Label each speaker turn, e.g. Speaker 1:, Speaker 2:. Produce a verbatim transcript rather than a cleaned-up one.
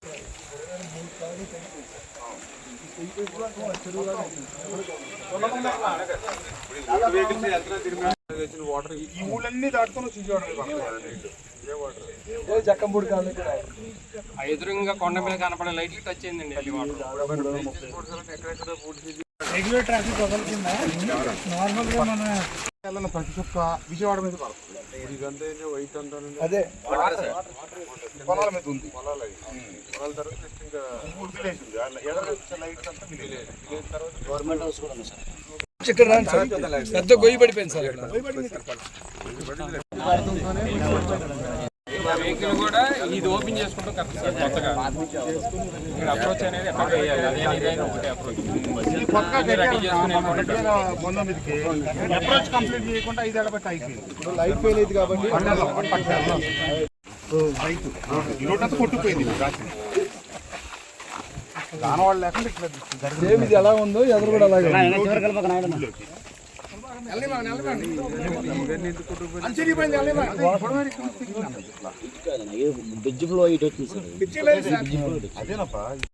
Speaker 1: ఈ ఊళ్ళన్నీ దాటుకొని
Speaker 2: జక్కంపూడి కాలనీ
Speaker 3: ఎదురుగా కొండ మీద కనపడే లైట్లు టచ్ అయిందండి
Speaker 2: రెగ్యులర్ ట్రాఫిక్ వదలకుండా నార్మల్ గా మన
Speaker 1: ప్రతి చుక్క విజయవాడ మీద పడుతుంది. ఇదంతా వైట్ అంతా
Speaker 2: అదే
Speaker 1: పొలాల మీద ఉంది. పొలాలు పొలాల తర్వాత నెక్స్ట్ ఇంకా విలేజ్ ఉంది. ఎదురు లైట్స్ అంతా విలేజ్. తర్వాత
Speaker 2: గవర్నమెంట్ హౌస్ కూడా ఉంది సార్. ఇక్కడ రండి సార్, పెద్ద గొయ్యి పడిపోయింది సార్.
Speaker 3: వెహికల్ కూడా ఇది ఓపెన్ చేసుకుంటాం కరెక్ట్ సార్. కొత్తగా అప్రోచ్ అనేది ఎక్కడ వేయాలి, అదే ఇదైనా ఒకటే అప్రోచ్ రెడీ చేసుకుని
Speaker 1: పంతొమ్మిదికి అప్రోచ్ కంప్లీట్ చేయకుండా ఐదేళ్ల బట్టి అయిపోయింది.
Speaker 2: ఇప్పుడు లైట్ ఫెయిల్ అయింది కాబట్టి
Speaker 1: లోటంతా కొట్టుకుపోయింది. దానివాళ్ళు లేకుండా ఇట్లా
Speaker 2: సేమ్ ఇది ఎలా ఉందో ఎదురు కూడా అలాగే
Speaker 4: బ్రిడ్జ్ ఫ్లో ఇటు వచ్చింది సార్.
Speaker 1: అదేనప్పా.